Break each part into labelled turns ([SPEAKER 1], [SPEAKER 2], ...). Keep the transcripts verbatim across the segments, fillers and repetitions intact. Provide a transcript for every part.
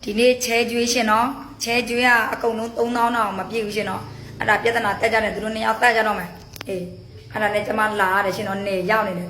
[SPEAKER 1] ဒီနေ့ချဲကျွေးရှင်နော်ချဲကျွေးကအကုန်လုံးသုံးသောင်းတော့မပြည့်ဘူးရှင်နော်အဲ့ဒါပြဿနာတက်ကြတယ်သူတို့နှစ်ယောက်တက်ကြတော့မယ်အေးအဲ့ဒါနဲ့ကျမလာရတယ်ရှင်နော်နေရောက်နေတယ်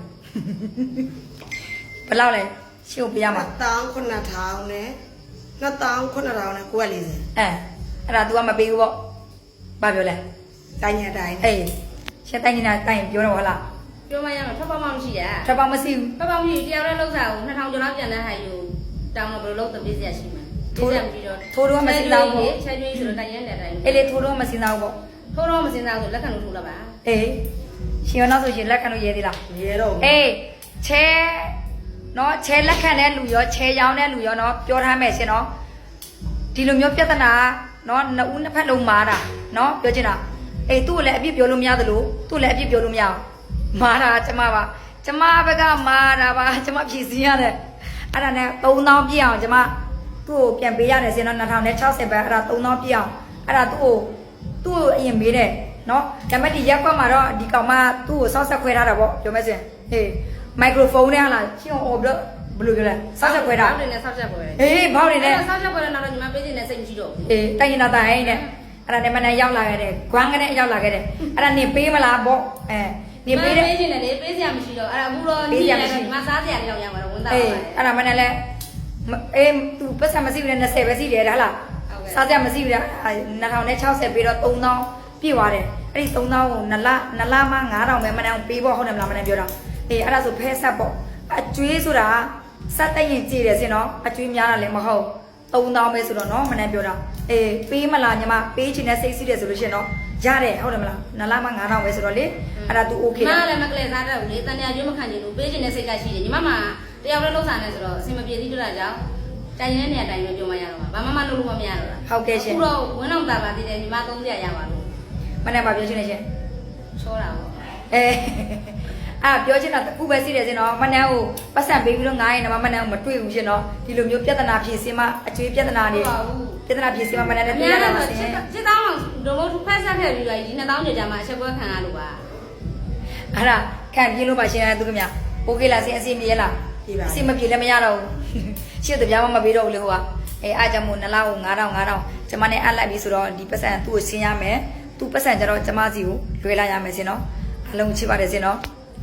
[SPEAKER 1] ဘယ်လောက်လဲရှင်းပြရမှာ
[SPEAKER 2] တောင်းခုနှစ်ထောင်နဲ့နှစ်တောင်းခုနှစ်ထောင်နဲ့ကိုယ်ကလေးစ
[SPEAKER 1] အဲအဲ့ဒါ तू ကမပေးဘူးပေါ့ဘာပြောလဲ
[SPEAKER 2] တိုင်းရတိုင်း
[SPEAKER 1] အေးရှင်းတိုင်းနေတာတိုင်းပြောတော့ဟုတ်လား
[SPEAKER 3] ပြောမှရမှာထွက်ပေါက်မှမရှိရ
[SPEAKER 1] ထွက်ပေါက်မရှိဘူး
[SPEAKER 3] ထွက်ပေါက်မရှိတရားရဲလောက်စားကိုနှစ်ထောင်ကျော်လောက်ပြန်တဲ့ဟာယူတောင်းတော့ဘယ်လိုလုပ်တပေးစရာရှိမှာထိုးရပြီးတော့
[SPEAKER 1] ထိုးတော့မစင်စားဘူး
[SPEAKER 3] ချဲကျွေးဆိုတော့တိုင်းရဲတဲ့တိုင်း
[SPEAKER 1] အေးလေထိုးတော့မစင်စားဘူးပေါ့
[SPEAKER 3] ထိုးတော့မစင်စားဆိုလက်ခံလို့ထိုးလာပါ
[SPEAKER 1] အေးရှင်ရောနောက်ဆိုရှင်လက်ခံလို့ရဲသေးလား
[SPEAKER 2] ရဲတော့
[SPEAKER 1] အေးချဲနော်ချဲလက်ခံတဲ့လူရောချဲရောင်းတဲ့လူရောနော်ပြောထားမယ်ရှင်နော်ဒီလိုမျိုးပြဿနာနော်နှစ်ဦးနှစ်ဖက်လုံးမာတာနော်ပြောချင်တာအေးသူ့ကိုလည်းအပြစ်ပြောလို့မရသလိုသူ့လည်းအပြစ်ပြောလို့မရအောင်မာတာကျမပါကျမဘက်ကမာတာပါကျမဖြည့်စင်းရတယ်အဲ့ဒါနဲ့သုံးသောင်းပြည့်အောင်ကျမသူ့ကိုပြန်ပေးရတယ်ရှင်နော်နှစ်ထောင်ခြောက်ဆယ်ပဲအဲ့ဒါသုံးသောင်းပြည့်အောင်အဲ့ဒါသူ့ကိုသူ့ကိုအရင်မေးတယ်နော်ဒါပေမဲ့ဒီရက်ကွက်မှာတော့ဒီကောင်မသူ့ကိုစောက်ဆက်ခွဲထားတာပေါ့ပြောမယ်ဆိုရင်ဟေးမိုက်ခရိုဖုန်းနဲ့ဟာလားရှင်းအောင်ဘလို့ဘယ်လိုပြောလဲစောက်ဆက်ခွဲတာ
[SPEAKER 3] ဘောက်တွေနဲ့စောက်ဆက်ခွဲတယ်
[SPEAKER 1] အေးဘောက်တွေနဲ့
[SPEAKER 3] စောက်ဆက်ခွဲတဲ့နောက်တော့ညီမပေးခြင်းနဲ့စိတ်မရှိတော့ဘူး
[SPEAKER 1] အေးတိုင်ရင်တော့တိုင်နဲ့အဲ့ဒါနဲ့မနဲ့ရောက်လာခဲ့တယ်ဂွမ်းကနေရောက်လာခဲ့တယ်အဲ့ဒါနေပေးမလားပေါ့အဲနေပေးတယ်
[SPEAKER 3] ပေးခြင်းနဲ့လေပေးစရာမရှိတော့အဲ့ဒါအခုတော့ညီရတယ်ညီမစားစရာလေးတော့ရမှာတော့ဝန်သားပါ
[SPEAKER 1] အေးအဲ့ဒါမနဲ့လဲအေးသူပတ်စံမရှိဘူးလေနှစ်ဆယ်ပဲရှိတယ်ဟုတ်လားစားစရာမရှိဘူးလေနှစ်ထောင်နဲ့ခြောက်ဆယ်ပေးတော့သုံးသောင်းပြည့်သွားတယ်အဲ့ဒီသုံးသောင်းကိုနလနလမှငါးထောင်ပဲမနဲ့ပေးဖို့ဟုတ်တယ်မလားမနဲ့ပြောတော့အေးအဲ့ဒါဆိုဖဲဆက်ပေါ့အကျွေးဆိုတာစက်တက်ရင်ကြည့်တယ်စင်နော်အကျွေးများတာလည်းမဟုတ်သုံးသောင်းပဲဆိုတော့နော်မနဲ့ပြောတာအေးပေးမလားညီမပေးချင်တဲ့စိတ်စီးတယ်ဆိုလို့ရှိရင်နော်ရတယ်ဟုတ်တယ်မလားနလမှငါးထောင်ပဲဆိုတော့လေအဲ့ဒါ तू okay
[SPEAKER 3] လားမလည်းမကလေးစားတဲ့ဦးလေတန်တရားကျွေးမခံချင်ဘူးပေးချင်တဲ့စိတ်ကရှိတယ်ညီမမှာတယောက်လည်းလှုပ်စားနေဆိုတော့အစင်မပြေသေးကြတာကြောင့်တိုင်ရတဲ့နေရာတိုင်ပဲပြောမှရတော့ဘာမှမလုပ်လို့မရတော့တာ
[SPEAKER 1] ဟုတ်ကဲ့ရှင်
[SPEAKER 3] အခုတော့ဝင်းအောင်တာပါတည်တယ်ညီမသုံးစရာရပါလို့
[SPEAKER 1] မနဲ့ပါပြောချင်နေရှင်
[SPEAKER 3] ချောတာပေါ့
[SPEAKER 1] အဲအာပြောချင်တာတခုပဲရှိတယ်ရှင်နော်မနဲ့ကိုပတ်စံပေးပြီးတော့ငားရင်တော့မနဲ့ကိုမတွေ့ဘူးရှင်နော်ဒီလိုမျိုးပြဿနာဖြေစင်းမအကျွေးပြဿနာတွေပြဿနာဖြေစင်းမမနဲ့လည်းတွေ့ရတာပါရှင်
[SPEAKER 3] စစ်တောင်းတော့ဘုဖက်ဆက်ခဲ့ပြီးတော့ဒီနှစ်တောင်းကြာမှအချက်ပွဲခံရလို့ပါ
[SPEAKER 1] အဲ့ဒါခံပြင်းလို့ပါရှင်သူခင်ဗျโอเคလားရှင်အစီအမပြေလားအစီမပြေလည်းမရတော့ဘူးရှေ့တပြားမှမပေးတော့ဘူးလေဟိုကအဲအားကြောင့်မို့နလားကိုငါးထောင်ငါးထောင်ကျမနဲ့အပ်လိုက်ပြီဆိုတော့ဒီပတ်စံသူ့ကိုရှင်းရမယ်သူ့ပတ်စံကျတော့ကျမစီကိုလွှဲလိုက်ရမယ်ရှင်နော်အလုံးချစ်ပါတယ်ရှင်နော်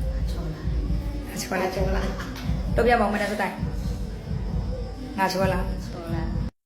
[SPEAKER 1] ချောလာချောလာတော့ပြမအောင်မနဲ့စတိုင်ငါချောလာ